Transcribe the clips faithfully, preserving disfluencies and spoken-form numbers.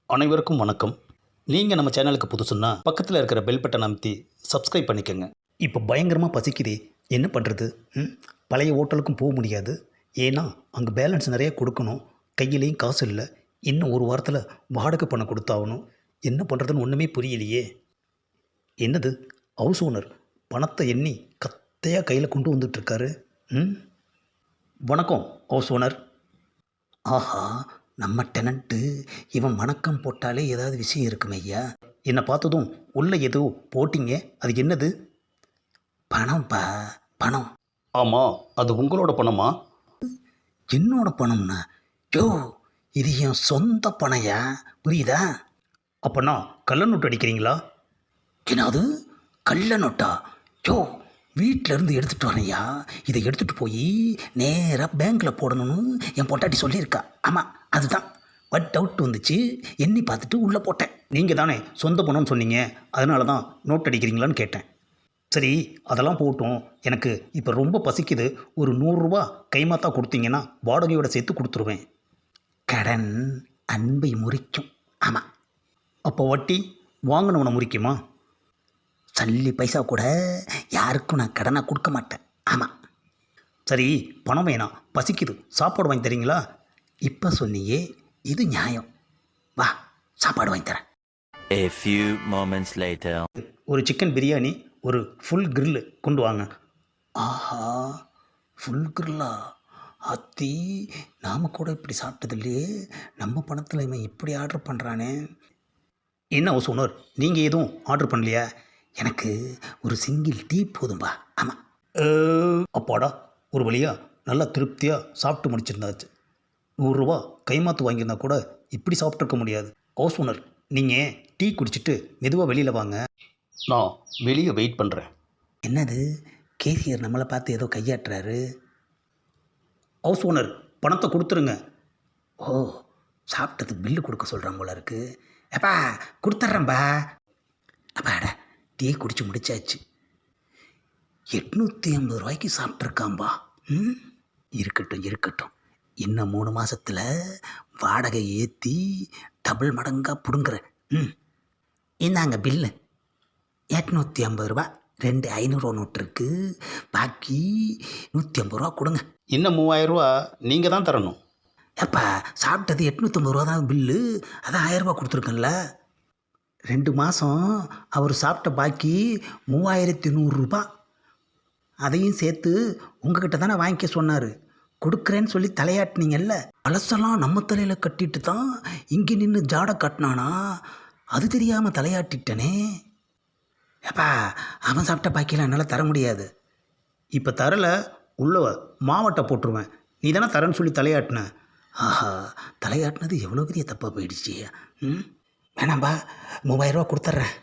அனைவருக்கும் வணக்கம். நீங்கள் நம்ம சேனலுக்கு புதுசுன்னா பக்கத்தில் இருக்கிற பெல் பட்டன் அமைத்தி சப்ஸ்கிரைப் பண்ணிக்கோங்க. இப்போ பயங்கரமாக பசிக்குதே, என்ன பண்ணுறது? ம் பழைய ஹோட்டலுக்கும் போக முடியாது, ஏன்னா அங்கே பேலன்ஸ் நிறைய கொடுக்கணும். கையிலையும் காசு இல்லை. இன்னும் ஒரு வாரத்தில் வாடகை பணம் கொடுத்தாகணும். என்ன பண்ணுறதுன்னு ஒன்றுமே புரியலையே. என்னது, ஹவுஸ் ஓனர் பணத்தை எண்ணி கத்தையாக கையில் கொண்டு வந்துட்டுருக்காரு. ம் வணக்கம் ஹவுஸ் ஓனர். ஆஹா, நம்ம டெனண்ட்டு இவன் வணக்கம் போட்டாலே ஏதாவது விஷயம் இருக்குமே ஐயா. என்னை பார்த்ததும் உள்ளே ஏதோ போட்டிங்க, அது என்னது? பணம்ப்பா, பணம். ஆமாம், அது உங்களோட பணமா? என்னோட பணம்னா? யோ, இது என் சொந்த பணையா, புரியுதா? அப்போனா கள்ள நோட்டு அடிக்கிறீங்களா? என்னது கள்ள நோட்டா? யோ, வீட்டில் இருந்து எடுத்துகிட்டு வரேன்யா. இதை எடுத்துகிட்டு போய் நேராக பேங்க்கில் போடணும்னு என் பொட்டாட்டி சொல்லியிருக்கா. ஆமாம், அதுதான். பட் டவுட் வந்துச்சு, எண்ணி பார்த்துட்டு உள்ளே போட்டேன். நீங்கள் தானே சொந்த பணம்னு சொன்னீங்க, அதனால தான் நோட் அடிக்கிறீங்களான்னு கேட்டேன். சரி, அதெல்லாம் போட்டும். எனக்கு இப்போ ரொம்ப பசிக்குது. ஒரு நூறுரூவா கைமாத்தா கொடுத்தீங்கன்னா வாடகையோட சேர்த்து கொடுத்துருவேன். கடன் அன்பை முறிக்கும். ஆமாம். அப்போ வட்டி வாங்கினவனை முறிக்குமா? சல்லி பைசா கூட யாருக்கும் நான் கடனாக கொடுக்க மாட்டேன். ஆமாம். சரி, பணம் வேணாம், பசிக்குது, சாப்பாடு வாங்கி தரீங்களா? இப்போ சொன்னியே, இது நியாயம். வா, சாப்பாடு வாங்கி தரேன். A few moments later. ஒரு சிக்கன் பிரியாணி, ஒரு ஃபுல் கிரில்லு கொண்டு வாங்க. ஆஹா, ஃபுல் கிரில்லா? அத்தி, நாம் கூட இப்படி சாப்பிட்டது இல்லையே. நம்ம பணத்தில் இவன் இப்படி ஆர்டர் பண்ணுறானே. என்ன ஹவுஸ் ஓனர், நீங்கள் எதுவும் ஆர்டர் பண்ணலையா? எனக்கு ஒரு சிங்கிள் டீ போதும்பா. ஆமாம். அப்பாடா, ஒரு வழியாக நல்லா திருப்தியாக சாப்பிட்டு முடிச்சிருந்தாச்சு. நூறுரூவா கைமாத்து வாங்கியிருந்தா கூட இப்படி சாப்பிட்ருக்க முடியாது. ஹவுஸ் ஓனர், நீங்கள் டீ குடிச்சிட்டு மெதுவாக வெளியில் வாங்க, நான் வெளியே வெயிட் பண்ணுறேன். என்னது, கேசியர் நம்மளை பார்த்து ஏதோ கையாட்டுறாரு. ஹவுஸ் ஓனர், பணத்தை கொடுத்துருங்க. ஓ, சாப்பிட்டதுக்கு பில்லு கொடுக்க சொல்கிறாங்க போல இருக்கு. அப்பா கொடுத்துட்றேன்பா. அப்பாடா, டீ குடிச்சு முடிச்சாச்சு. எட்நூற்றி ஐம்பது ரூபாய்க்கு சாப்பிட்ருக்காம்பா. ம் இருக்கட்டும் இருக்கட்டும், இன்னும் மூணு மாதத்தில் வாடகை ஏற்றி டபுள் மடங்காக பிடுங்குறேன். ம் இந்தாங்க பில்லு. எட்நூற்றி ஐம்பது ரூபா, ரெண்டு ஐநூறுரூவா நோட்டு இருக்குது, பாக்கி நூற்றி ஐம்பது ரூபா கொடுங்க. இன்னும் மூவாயிரரூவா நீங்கள் தான் தரணும். ஏப்பா, சாப்பிட்டது எட்நூற்றி ஐம்பது ரூபா தான் பில்லு, அதான் ஆயிரரூபா கொடுத்துருக்கேன்ல. ரெண்டு மாதம் அவர் சாப்பிட்ட பாக்கி மூவாயிரத்தி நூறுரூபா, அதையும் சேர்த்து உங்ககிட்ட தானே வாங்கிக்க சொன்னார். கொடுக்குறேன்னு சொல்லி தலையாட்டினீங்கல்ல, பழசெல்லாம் நம்ம தலையில் கட்டிட்டு தான் இங்கே நின்று ஜாடை கட்டினானா, அது தெரியாமல் தலையாட்டிட்டனே. ஏப்பா, அவன் சாப்பிட்ட பாக்கியெல்லாம் என்னால் தர முடியாது. இப்போ தரலை, உள்ள மாவட்டை போட்டுருவேன். நீ தானே தரேன்னு சொல்லி தலையாட்டின. ஆஹா, தலையாட்டினது எவ்வளோ பெரிய தப்பாக போயிடுச்சு. ம் வேணாம்பா, மூவாயிரரூவா கொடுத்துட்றேன்.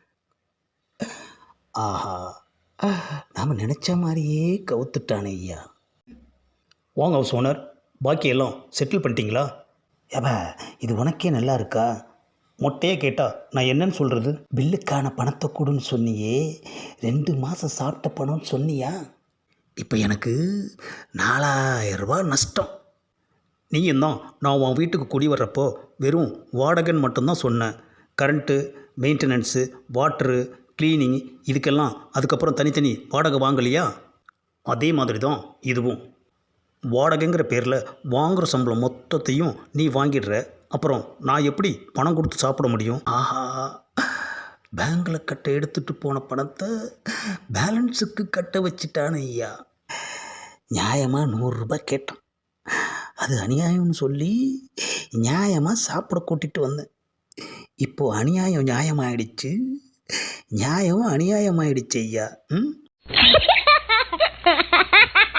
ஆஹா, நாம் நினச்ச மாதிரியே கவுத்துட்டானே ஐயா. வாங்க ஹவுஸ் ஓனர், பாக்கியெல்லாம் செட்டில் பண்ணிட்டீங்களா? ஏப்பா, இது உனக்கே நல்லா இருக்கா? மொட்டையே கேட்டால் நான் என்னன்னு சொல்கிறது? பில்லுக்கான பணத்தை கொடுன்னு சொன்னியே, ரெண்டு மாதம் சாப்பிட்ட பணம்னு சொன்னியா? இப்போ எனக்கு நாலாயிரரூபா நஷ்டம். நீயும் தான் நான் உன் வீட்டுக்கு குடி வர்றப்போ வெறும் வாடகைன்னு மட்டும்தான் சொன்னேன். கரண்ட்டு, மெயின்டெனன்ஸு, வாட்ரு, க்ளீனிங், இதுக்கெல்லாம் அதுக்கப்புறம் தனித்தனி வாடகை வாங்கலையா? அதே மாதிரி தான் இதுவும். வாடகைங்கிற பேரில் வாங்குகிற சம்பளம் மொத்தத்தையும் நீ வாங்கிடுற. அப்புறம் நான் எப்படி பணம் கொடுத்து சாப்பிட முடியும்? ஆஹா, பேங்கில் கட்ட எடுத்துகிட்டு போன பணத்தை பேலன்ஸுக்கு கட்ட வச்சிட்டானு ஐயா. நியாயமாக நூறுரூபா கேட்டான், அது அநியாயம்னு சொல்லி நியாயமாக சாப்பிட கூட்டிகிட்டு வந்தேன். இப்போது அநியாயம் நியாயமாயிடுச்சு, நியாயம் அநியாயமாயிடுச்சு ஐயா. ம்